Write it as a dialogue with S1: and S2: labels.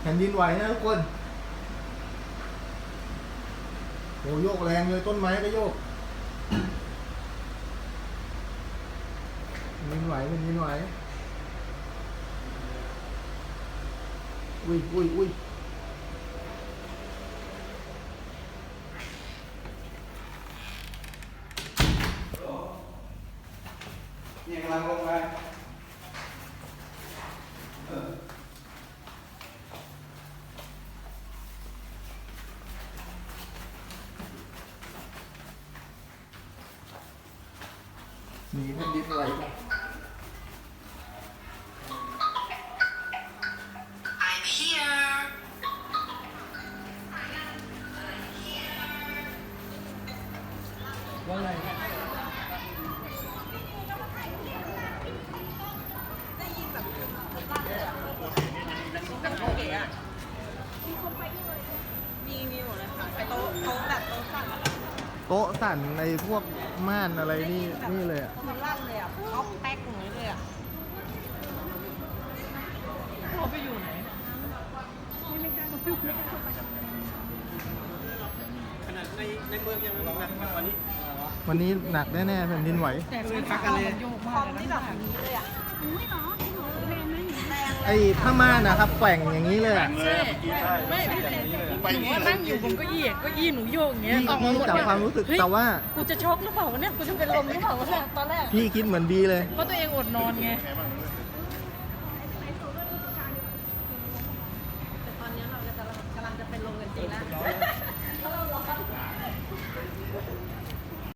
S1: ผ่นดินไหวนะทุกคนโอ้โยกแรงเลยต้นไม้ก็โยกแผ่นดินไหวแผ่นดินไหวอุ้ยอุ้ยอุ้ยเนี่ยกำลังลงไปมีแผ่นดินไหวไหม
S2: I'm here
S1: ว่าไง
S3: มีหมดเลยค่ะไปโต๊ะแบบโต๊ะสั่น
S1: โต๊ะสั่นในพวกม่านอะไรนี่เลยอ่ะ
S3: มันลั่นเลยอ่ะท็อปแป๊กอย่างนี้เลยอ่ะเขาไปอยู่ไหนไม่กล้า
S4: ขนาดในเมืองยังหนักกว่านี้
S1: วันนี้หนักแน่ๆแผ่นดินไหว
S3: แต่มันพักกันเลยคอมที่แบบนี้เลยอ่ะอุ้ยเนาะแรงไหมแรงเลย
S1: ไอ้ผ้าม่านนะครับแกว่งอย่างนี้เลยอะ
S3: ใช่ไม่พี่เต้หนูนั่งอยู่ผมก็เก้าอี้หนูโยกอย่างเงี้ย
S1: พี่
S3: ออกมาหมด
S1: จับความรู้สึกแต่ว่า
S3: กูจะช็อกหรือเปล่าวะเนี่ยกูจะเป็นลมหรือเปล่าวะเนี่ยตอนแรก
S1: พี่คิดเหมือนบีเลย
S3: เพราะตัวเองอดนอนไง